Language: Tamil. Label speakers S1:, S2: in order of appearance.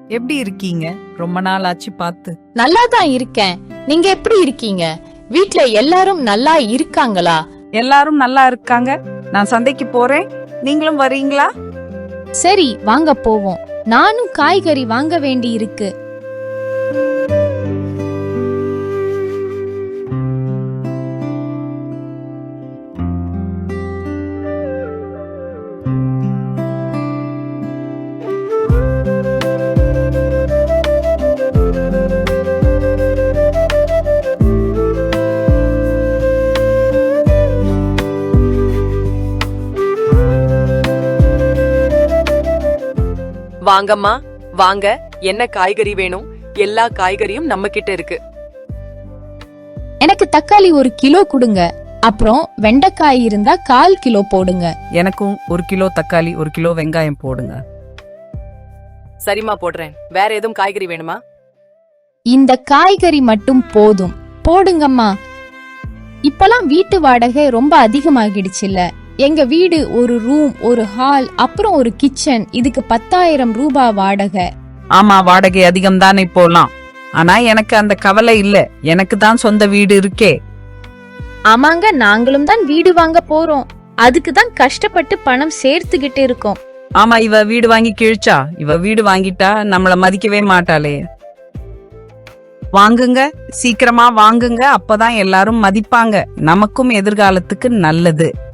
S1: எப்படி இருக்கீங்க? ரொம்ப நாள் ஆச்சு பார்த்து.
S2: நல்லா தான் இருக்கேன். நீங்க எப்படி இருக்கீங்க? வீட்ல எல்லாரும் நல்லா இருக்காங்களா?
S1: எல்லாரும் நல்லா இருக்காங்க. நான் சந்தைக்கு போறேன், நீங்களும் வரீங்களா?
S2: சரி, வாங்க போவோம். நானும் காய்கறி வாங்க வேண்டி இருக்கு.
S3: வாங்கம்மா வாங்க, என்ன காய்கறி வேணும்? எல்லா காய்கறியும் நம்ம கிட்ட இருக்கு.
S2: எனக்கு தக்காளி 1 கிலோ கொடுங்க. அப்புறம் வெண்டைக்காய் இருந்தா 1/4 கிலோ போடுங்க.
S1: எனக்கும் 1 கிலோ தக்காளி, 1 கிலோ வெங்காயம் போடுங்க.
S3: சரிம்மா, போடுறேன். வேற எதுவும் காய்கறி வேணுமா?
S2: இந்த காய்கறி மட்டும் போதும். போடுங்கம்மா. இப்பலாம் வீட்டு வாடகை ரொம்ப அதிகமாகிடுச்சுல்ல. எங்க வீடு ஒரு ரூம், ஒரு ஹால், அப்புறம் ஒரு கிச்சன். இதுக்கு 10,000 ரூபாய் வாடகை.
S1: ஆமா, வாடகை அதிகம் தானே போலாம். ஆனா எனக்கு அந்த கவலை இல்ல. எனக்கு தான் சொந்த வீடு இருக்கே.
S2: ஆமாங்க, நாங்களும் தான் வீடு வாங்க போறோம். அதுக்கு தான் கஷ்டப்பட்டு பணம் சேர்த்துக்கிட்டு இருக்கோம்.
S1: ஆமா, இவ வீடு வாங்கி கிழிச்சா. இவ வீடு வாங்கிட்டா நம்மள மதிக்கவே மாட்டாளே. வாங்குங்க, சீக்கிரமா வாங்குங்க. அப்பதான் எல்லாரும் மதிப்பாங்க. நமக்கும் எதிர்காலத்துக்கு நல்லது.